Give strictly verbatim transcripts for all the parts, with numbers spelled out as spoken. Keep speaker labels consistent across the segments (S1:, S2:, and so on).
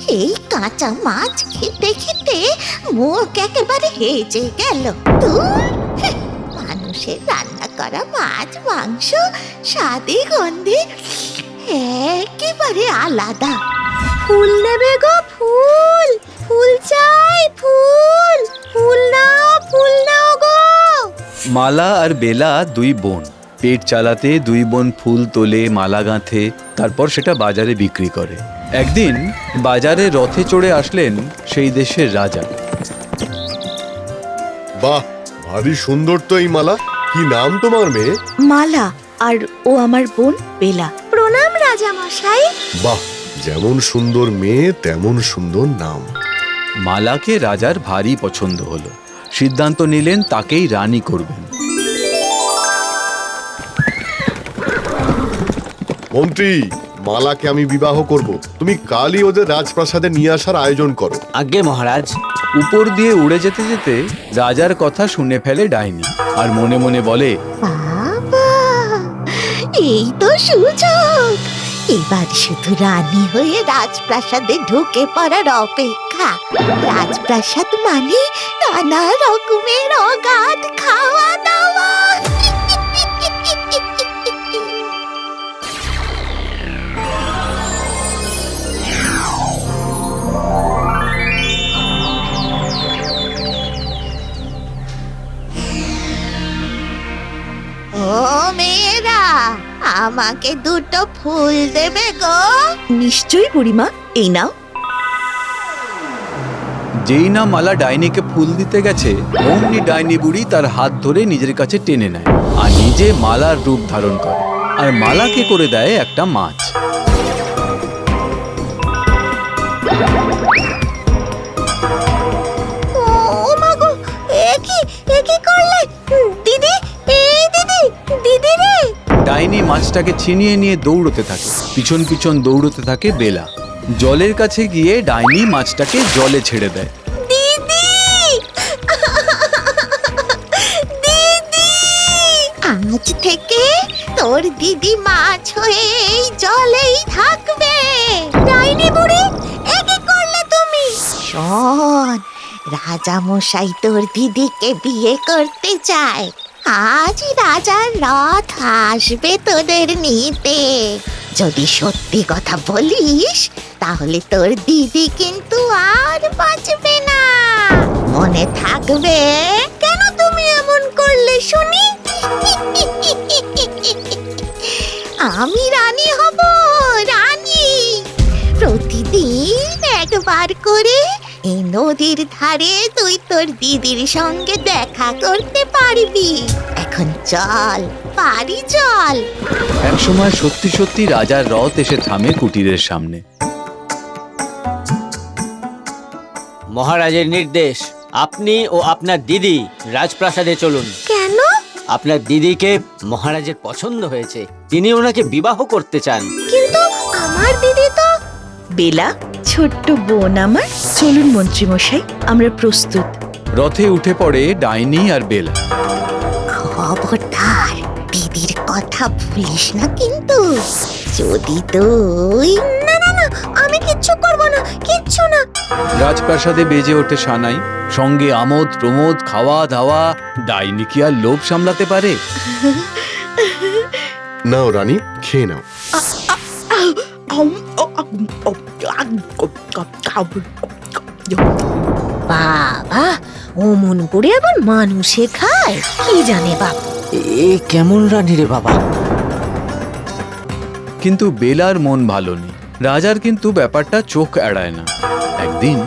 S1: এই কাঁচা মাছ খেতে খেতে মুখ একেবারে হেজে গেল। ধুর, মানুষের রান্না করা মাছ মাংস স্বাদে গন্ধে একেবারে আলাদা। ফুল নেবে গো, ফুল ফুল চাই, ফুল ফুল নাও, ফুল নাও গো।
S2: মালা আর বেলা দুই বোন, পেট চালাতে দুই বোন ফুল তোলে, মালা গাঁথে, তারপর সেটা বাজারে বিক্রি করে। একদিন বাজারে রথে চড়ে আসলেন সেই দেশের রাজা।
S3: বাহ, ভারী সুন্দর তো এই মালা। কি নাম তোমার মেয়ে?
S4: মালা, আর ও আমার বোন বেলা।
S1: প্রণাম রাজা মশাই।
S3: বাহ, যেমন সুন্দর মেয়ে তেমন সুন্দর নাম।
S2: মালাকে রাজার ভারী পছন্দ হলো, সিদ্ধান্ত নিলেন তাকেই রানী করবেন।
S3: মন্ত্রী, মালাকে আমি বিবাহ করব। তুমি কালই ওদের রাজপ্রাসাদে নিয়ে আসার আয়োজন করো।
S5: আজ্ঞে মহারাজ।
S2: উপর দিয়ে উড়ে যেতে যেতে রাজার কথা শুনে ফেলে ডাইনি, আর মনে মনে বলে,
S1: বাবা, এই তো সুযোগ। এবার শুধু রানী হয়ে রাজপ্রাসাদে ঢুকে পড়ার অপেক্ষা। রাজপ্রাসাদ মানে নানা রকমের অগাধ খাওয়া দাওয়া। ও মেয়েরা, আমাকে দুটো ফুল দেবে গো?
S4: নিশ্চয়ই বুড়িমা, এই নাও।
S2: যেই না মালা ডাইনিকে ফুল দিতে গেছে, অমনি ডাইনি বুড়ি তার হাত ধরে নিজের কাছে টেনে নেয় আর নিজে মালার রূপ ধারণ করে, আর মালাকে করে দেয় একটা মাছ।
S1: ও মা গো, এ কি এ কি করলে দিদি? এই দিদি, দিদি রে!
S2: ডাইনি মাছটাকে ছিনিয়ে নিয়ে দৌড়তে থাকে, পিছন পিছন দৌড়তে থাকে বেলা। জলের কাছে গিয়ে ডাইনি মাছটাকে জলে ছেড়ে দেয়।
S1: দিদি, দিদি, আজ থেকে তোর দিদি মাছ হয়ে এই জলেই থাকবে। ডাইনি বুড়ি, এ কি করলে তুমি? শোন, রাজা মশাই তোর দিদিকে বিয়ে করতে চায়। আজ রাজার রথ আসবে তোদের নিতে। যদি সত্যি কথা বলিস তাহলে তোর দিদি কিন্তু আর বাঁচবে না। মনে থাকবে। কেন তুমি এমন করলে শুনি? আমি রানী হব, রানী। প্রতিদিন একবার করে এই নদীর ধারে তুই তোর দিদির সঙ্গে দেখা করতে পারবি। এখন চল, পারি চল।
S2: একসময় সত্যি সত্যি রাজার রথ এসে থামে কুটিরের সামনে।
S5: মহারাজের নির্দেশ, আপনি ও আপনার দিদি রাজপ্রাসাদে চলুন।
S1: কেন?
S5: আপনার দিদিকে মহারাজের পছন্দ হয়েছে, তিনি ওনাকে বিবাহ করতে চান।
S1: কিন্তু আমার দিদি তো।
S4: বেলা, ছোট্ট বোন আমার, চলুন মন্ত্রী মশাই, আমরা প্রস্তুত।
S2: রথে উঠে পড়ে ডাইনি আর বেলা।
S1: খবরদার দিদির কথা ভুলিস না কিন্তু। যদি তুই। না না না, আমি কিচ্ছু করব না, কিচ্ছু না।
S2: রাজপ্রাসাদে বেজে ওঠে সানাই, সঙ্গে আমোদ প্রমোদ, খাওয়া দাওয়া। ডাইনি কি আর লোভ সামলাতে পারে?
S3: নাও রানী, খেয়ে নাও।
S1: বাবা, অমন করে আবার মানুষে খায়? কি জানে বাবা।
S5: এ কেমন রানী রে বাবা।
S2: কিন্তু বেলার মন ভালো নেই। রাজার কিন্তু ব্যাপারটা চোখ এড়ায় না। একদিন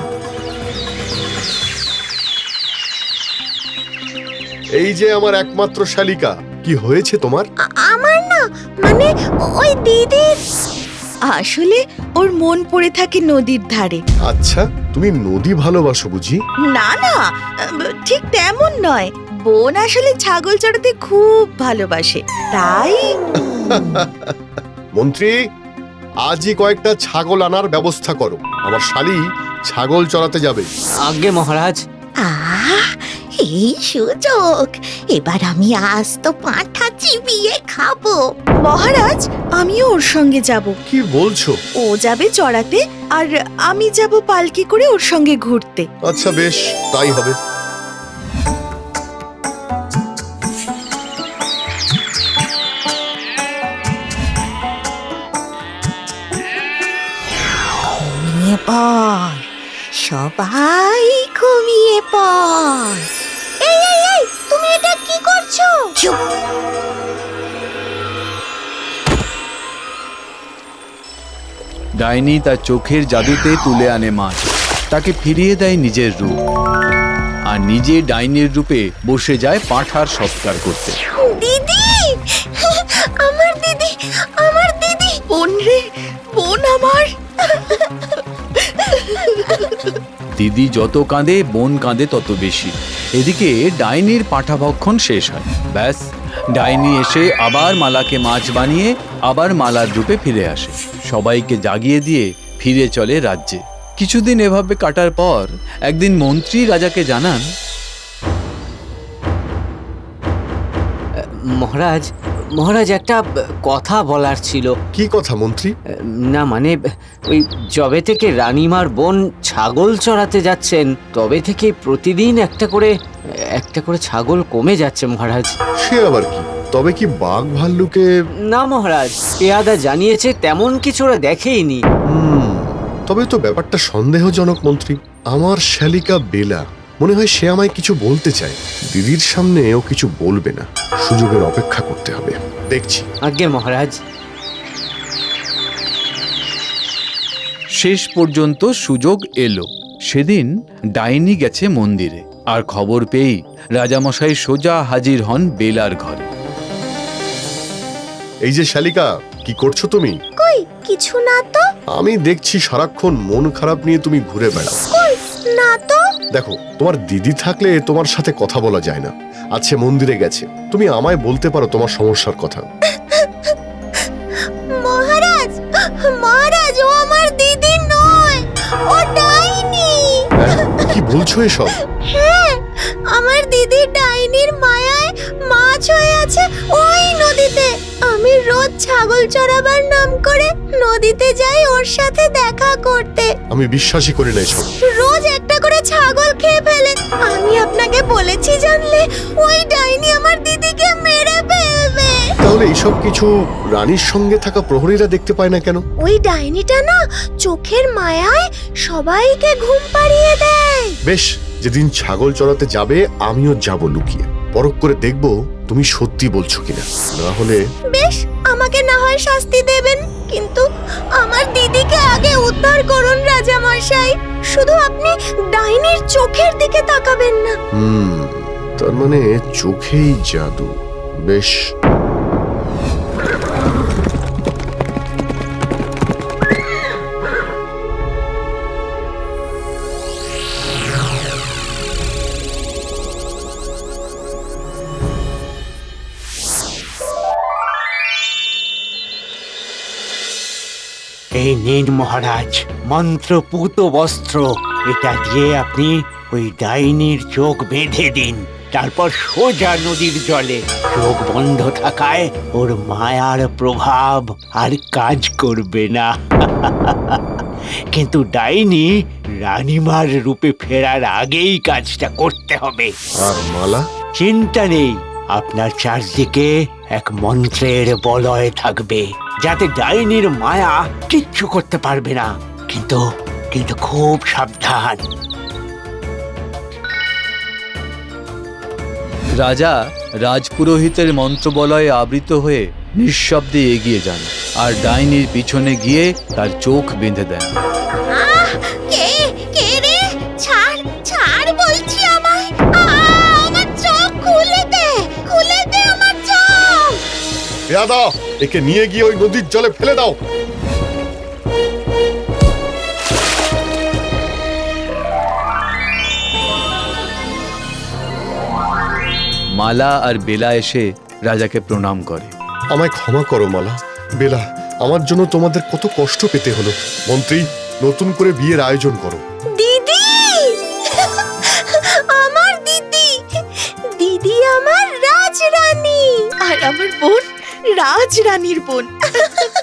S3: এই যে আমার একমাত্র শালিকা, কি হয়েছে তোমার?
S1: আমার না, মানে ওই দিদির।
S4: আসলে ওর মন পড়ে থাকে নদীর ধারে।
S3: আচ্ছা, তুমি নদী ভালোবাসো বুঝি?
S4: না না, ঠিক তেমন নয়। বোন আসলে ছাগল চড়াতে খুব ভালোবাসে, তাই।
S3: মন্ত্রী, আজই কয়েকটা ছাগল আনার ব্যবস্থা করো। আমার শালি ছাগল চড়াতে যাবে।
S5: আজ্ঞে মহারাজ।
S1: আহ, এই সুযোগ, এবার আমি আস্ত পাঁঠা চিবিয়ে খাবো।
S4: মহারাজ, আমিও ওর সঙ্গে যাব।
S3: কি বলছো?
S4: ও যাবে চড়াতে আর আমি যাব পালকি করে ওর সঙ্গে ঘুরতে।
S3: আচ্ছা বেশ, তাই হবে।
S1: ঘুমিয়ে পড়, সবাই ঘুমিয়ে পড়। এই এই এই, তুমি এটা কি করছো? চুপ।
S2: ডাইনি তার চোখের জাদুতে তুলে আনে মাছ, তাকে ফিরিয়ে দেয় নিজের রূপ, আর নিজে ডাইনির রূপে বসে যায় পাঁঠার সৎকার করতে।
S1: দিদি, আমার দিদি, আমার দিদি।
S4: বোন রে, বোন আমার।
S2: দিদি যত কাঁদে বোন কাঁদে তত বেশি। এদিকে ডাইনির পাঁঠা ভক্ষণ শেষ হয়। ব্যাস, ডাইনি এসে আবার মালাকে মাছ বানিয়ে আবার মালার রূপে ফিরে আসে, সবাইকে জাগিয়ে দিয়ে ফিরে চলে রাজ্যে। কিছুদিন এভাবে কাটার পর একদিন মন্ত্রী রাজাকে জানান,
S5: মহারাজ মহারাজ একটা কথা বলার ছিল।
S3: কি কথা মন্ত্রী?
S5: না মানে ওই যবে থেকে রানীমার বোন ছাগল চড়াতে যাচ্ছেন তবে থেকে প্রতিদিন একটা করে একটা করে ছাগল কমে যাচ্ছে মহারাজ।
S3: সে আবার কি? তবে কি বাঘ ভাল্লুকে?
S5: না মহারাজ, পেয়াদা জানিয়েছে তেমন কিছু ওরা দেখেইনি।
S3: হুম, তবে তো ব্যাপারটা সন্দেহজনক মন্ত্রী। আমার শালিকা বেলা, মনে হয় সে আমায় কিছু বলতে চায়। দিদির সামনে ও কিছু বলবে না, সুযোগের অপেক্ষা করতে হবে, দেখছি।
S5: আজ্ঞে মহারাজ।
S2: শেষ পর্যন্ত সুযোগ এলো। সেদিন ডাইনি গেছে মন্দিরে, আর খবর পেয়েই রাজামশাই সোজা হাজির হন বেলার ঘরে।
S3: এই যে শালিকা, কি করছো তুমি?
S1: কই কিছু না তো।
S3: আমি দেখছি সারাক্ষণ মন খারাপ নিয়ে তুমি ঘুরে বেড়াও।
S1: কই না তো।
S3: দেখো, তোমার দিদি থাকলে তোমার সাথে কথা বলা যায় না। আজকে মন্দিরে গেছে, তুমি আমায় বলতে পারো তোমার সমস্যার কথা।
S1: মহারাজ, মহারাজ, ও আমার দিদি নয়, ও ডাইনি।
S3: হ্যাঁ, কি বলছো এসব?
S1: হ্যাঁ, আমার দিদি ডাইনির মায়ায় মাছ হয়ে আছে ওই নদীতে। আমি রোজ ছাগল চড়াবার নাম করে নদীতে যাই ওর সাথে দেখা করতে।
S3: আমি বিশ্বাসই করি না এসব।
S1: রোজ একটা করে ছাগল খেয়ে ফেলে। আমি আপনাকে বলেছি জানলে, ওই ডাইনি আমার দিদিকে মেরে ফেলবে।
S3: তাহলে এইসব কিছু রানীর সঙ্গে থাকা প্রহরীরা দেখতে পায় না কেন?
S1: ওই ডাইনিটা না চোখের মায়ায় সবাইকে ঘুম পাড়িয়ে দেয়।
S3: বেশ, যেদিন ছাগল চড়াতে যাবে আমিও যাব লুকিয়ে, পরখ করে দেখব তুমি সত্যি বলছো কিনা। না হলে
S1: বেশ, আমাকে না হয় শাস্তি দেবেন, কিন্তু আমার দিদিকে আগে উদ্ধার করুন রাজা মশাই। শুধু আপনি ডাইনির চোখের দিকে তাকাবেন না।
S3: হুম, তার মানে চোখেই জাদু। বেশ,
S6: এই নিন মহারাজ, মন্ত্রপুত বস্ত্র। এটা দিয়ে আপনি ওই ডাইনির চোখ বেঁধে দিন, তারপর সোজা নদীর জলে। চোখ বন্ধ থাকায় ওর মায়ার প্রভাব আর কাজ করবে না। কিন্তু ডাইনি রানীমার রূপে ফেরার আগেই কাজটা করতে হবে।
S3: আর মালা?
S6: চিন্তা নেই, আপনার চারদিকে এক মন্ত্রের বলয় থাকবে, যাতে ডাইনির মায়া কিচ্ছু করতে পারবে না। কিন্তু কিন্তু খুব সাবধান।
S2: রাজা রাজপুরোহিতের মন্ত্রবলয়ে আবৃত হয়ে নিঃশব্দে এগিয়ে যান, আর ডাইনির পিছনে গিয়ে তার চোখ বেঁধে দেন।
S1: আহ, কে কে রে? ছাড়, ছাড় বলছি আমায়। আহ, আমার চোখ খুলে দে, খুলে দে আমার চোখ।
S3: পেয়াদা, একে নিয়ে গিয়ে ওই নদীর জলে ফেলে দাও।
S2: মালা আর বেলা এসে রাজাকে প্রণাম করে।
S3: আমায় ক্ষমা করো মালা, বেলা, আমার জন্য তোমাদের কত কষ্ট পেতে হলো। মন্ত্রী, নতুন করে বিয়ের আয়োজন করো।
S1: দিদি, আমার দিদি,
S4: আমার বোন রাজ রানীর বোন।